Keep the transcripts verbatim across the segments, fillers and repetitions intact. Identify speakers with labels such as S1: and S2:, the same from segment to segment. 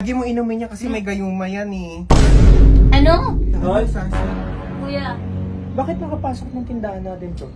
S1: lagi mo inumin niya kasi may gayuma yan eh.
S2: Ano?
S1: Ay, Sasa.
S2: Kuya,
S3: Bakit nakapasok ng tindahan natin to?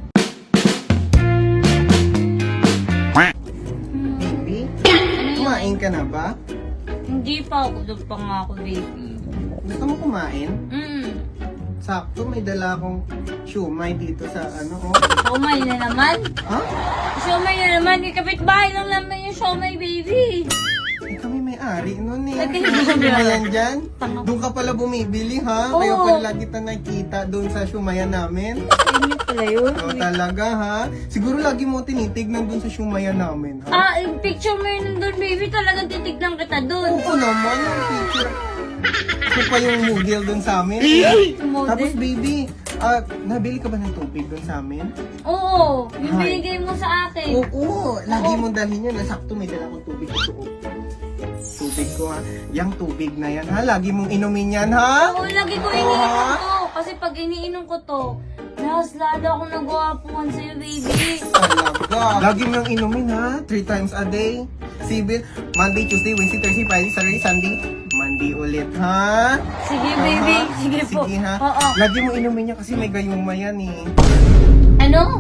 S1: Baby,
S2: ano yun?
S1: kumain ka na ba?
S2: Hindi pa ako. Doon pa nga ako, baby.
S1: Gusto mo kumain?
S2: Mm.
S1: Sakto, may dala akong siumay dito sa ano oh.
S2: Siomay na naman.
S1: Ha?
S2: Siomay na naman. May kapitbahay lang naman yung siomay, baby.
S1: Eh, kami may-ari nun eh.
S2: Lagi
S1: Ano
S2: mo
S1: ba
S2: ba?
S1: yan dyan?
S2: Tanga.
S1: Doon ka pala bumibili ha?
S2: Oo.
S1: Kaya pala kita nakita doon sa siumayan namin.
S2: Hindi pala yun.
S1: O talaga ha? Siguro lagi mo tinitignan doon sa siumayan namin ha?
S2: Ah, yung picture mo yun doon, baby. Talagang titignan kita doon.
S1: Oo naman yung picture. Ito pa yung model doon sa amin.
S2: Model?
S1: Tapos baby, ah, nabili ka ba ng tubig doon sa amin?
S2: Oo. Yung
S1: Hi.
S2: binigay mo sa akin.
S1: Oo, lagi mong dalhin yan. Nasakto may dala kong tubig ito. oh. Tubig ko ha. Yang tubig na yan ha. Lagi mong inumin yan ha.
S2: Oo, lagi ko
S1: Oo,
S2: iniinom
S1: ha?
S2: to. Kasi pag iniinom ko to, mas lalo ako nagwapuan sa'yo, baby.
S1: Talaga. Lagi mo yung inumin ha. Three times a day. Sibil, Monday, Tuesday, Wednesday, Thursday, Friday, Saturday, Sunday. Monday ulit ha.
S2: Sige, baby.
S1: Ha?
S2: Sige po.
S1: Sige ha.
S2: Oo.
S1: Lagi mo inumin niya kasi may gayuma yan eh.
S2: Ano?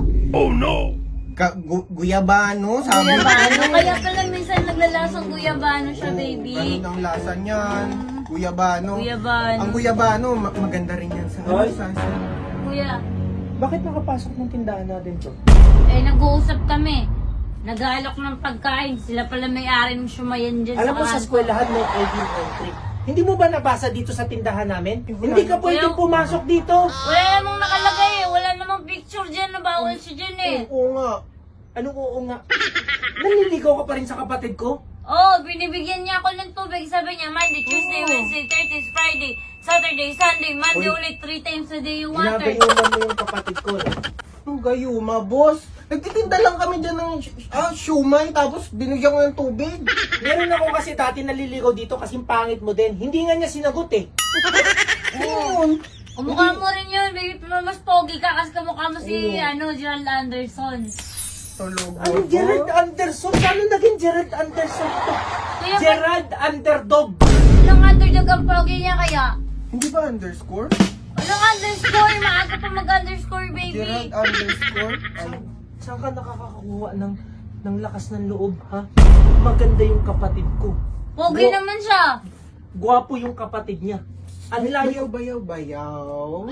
S1: Ka gu- guyabano, sabi
S2: Guyabano.
S1: ko.
S2: Kaya pala minsan naglalasang guyabano siya, baby.
S1: Ganun ang lasa niyan. Guyabano.
S2: Guyabano.
S1: Ang guyabano, ma- maganda rin yan sa
S3: Ay.
S1: sa
S2: Kuya,
S3: Bakit nakapasok ng tindahan natin to?
S2: eh nag-uusap kami. Nag-aalok ng pagkain. Sila pala may-ari ng shumayan dyan
S3: Alam mo
S2: kanto.
S3: sa eskwelahan may I D entry. Hindi mo ba nabasa dito sa tindahan namin? Hindi ka pwedeng
S2: Kuya-
S3: pumasok dito.
S2: Wala namang nakalagay eh. Wala namang picture dyan na bawal siya dyan eh.
S3: Oo nga. Ano oo nga? Nanliligaw ka pa rin sa kapatid ko?
S2: Oo, oh, binibigyan niya ako ng tubig. Sabi niya, Monday, Tuesday,
S3: Oo.
S2: Wednesday, Thursday, Friday, Saturday, Sunday, Monday
S3: Uy.
S2: ulit, three times a day yung water.
S3: Ginagayuman mo yung kapatid ko. No?
S1: Ang gayuma, boss. Nagtitinda lang kami dyan ng ah, shumay, tapos binigyan ko ng tubig.
S3: Meron ako kasi dati naliligaw dito kasi pangit mo din. Hindi nga niya sinagot eh.
S1: Ayun.
S2: Kumukha mo rin yun, baby. Pero mas pogi ka kasi kamukha mo si,
S3: Oo.
S2: ano, Gerald Anderson.
S1: Tulog
S3: Ano Gerald Anderson? Paano naging Gerald Anderson to?
S2: Kaya ba,
S3: Gerald Underdog.
S2: anong underdog ang pogi niya kaya?
S1: Hindi ba underscore?
S2: Anong underscore? Maaga pa mag-underscore, baby.
S1: Gerald underscore?
S3: Saan, saan ka nakakakuha ng, ng lakas ng loob, ha? Maganda yung kapatid ko.
S2: Pogi
S3: Gwa-
S2: naman siya.
S3: Gwapo yung kapatid niya. Ang
S1: Bayaw,
S3: layo.
S1: bayaw, bayaw.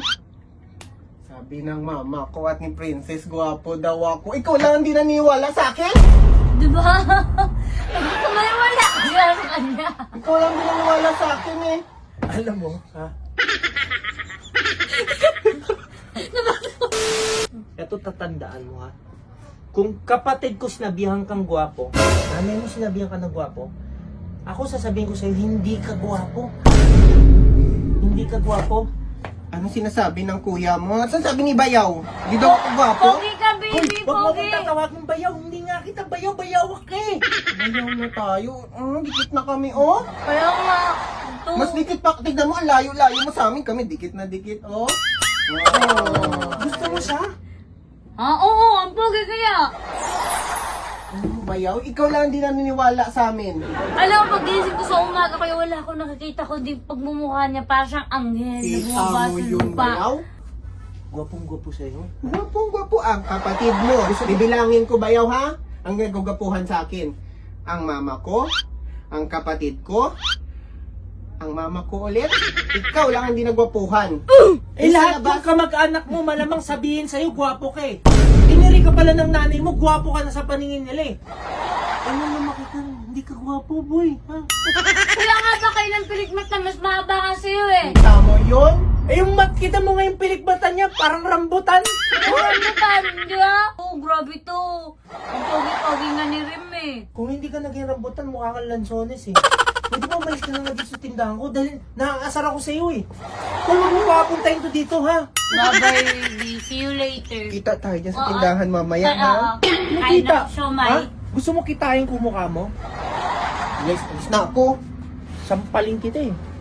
S1: Sabi ng mama ko at ni Princess, gwapo daw ako. Ikaw lang hindi naniwala sa akin?
S2: Diba? Hindi ko maniwala. Siya sa kanya.
S1: Ikaw lang hindi naniwala sa akin eh.
S3: Alam mo, ha? Ito tatandaan mo, ha? Kung kapatid ko sinabihan kang gwapo, nanay mo sinabihan ka ng gwapo, ako sasabihin ko sa'yo, hindi ka gwapo. Hindi ka gwapo.
S1: Ano sinasabi ng kuya mo? Ano sabi ni Bayaw? Di daw ako gwapo?
S2: Pogi ka,
S3: Hoy,
S2: baby.
S3: wag mo
S2: Pogi.
S3: akong tatawagin bayaw. Hindi nga kita bayaw, bayawak ka eh.
S1: Bayaw na tayo. Mm, dikit na kami, oh.
S2: Kaya nga. Ito.
S1: Mas dikit pa. Tignan mo, ang layo-layo mo sa amin. Kami dikit na dikit, oh. Oh.
S3: Gusto mo siya?
S2: Ah, oo, ang pogi kaya.
S1: Ano, Bayaw? Ikaw lang hindi naniniwala sa amin.
S2: Alam mo, pagising ko sa umaga, kaya wala akong nakikita ko di pagmumukha niya. Para siyang anghel. na
S1: Kita
S2: bumaba
S1: mo
S2: sa
S1: yung
S2: lupa.
S1: Bayaw?
S3: Gwapong gwapo sa'yo.
S1: Gwapong gwapo ang kapatid mo. Bibilangin ko Bayaw, ha? Ang gagapuhan sa akin. Ang mama ko, ang kapatid ko, ang mama ko ulit. Ikaw lang hindi nagwapuhan.
S3: Eh lahat ng kamag-anak mo malamang sabihin sa'yo, gwapo ka eh. Iniri ka pala ng nanay mo, gwapo ka na sa paningin nila eh. Ano na makita, hindi ka gwapo boy, ha?
S2: Kaya nga ba kayo ng pilikmat na mas mahaba nga sa'yo eh.
S1: Tama yun?
S3: Eh yung mat, kita mo nga yung pilikbatan niya, parang rambutan.
S2: Ano ba? Hindi ah? Oo, grabe to. Ang pogi-pogi nga ni Rim eh.
S3: Kung hindi ka naging rambutan, mukha kang lansones eh. Pwede ba umalis ka na nga dito sa tindahan ko dahil nakakasar ako sa'yo eh. Kung huwag mo papuntahin ko dito ha.
S2: Bye-bye, baby. See you later.
S1: Kita tayo dyan sa
S2: Oo.
S1: tindahan mamaya,
S2: Ay,
S1: ha?
S2: oo. Kain
S3: Nakita?
S2: ng siomay.
S3: Ha? Gusto mo kitain ko mukha mo?
S1: Yes, alis na ako.
S3: Sampaling kita eh.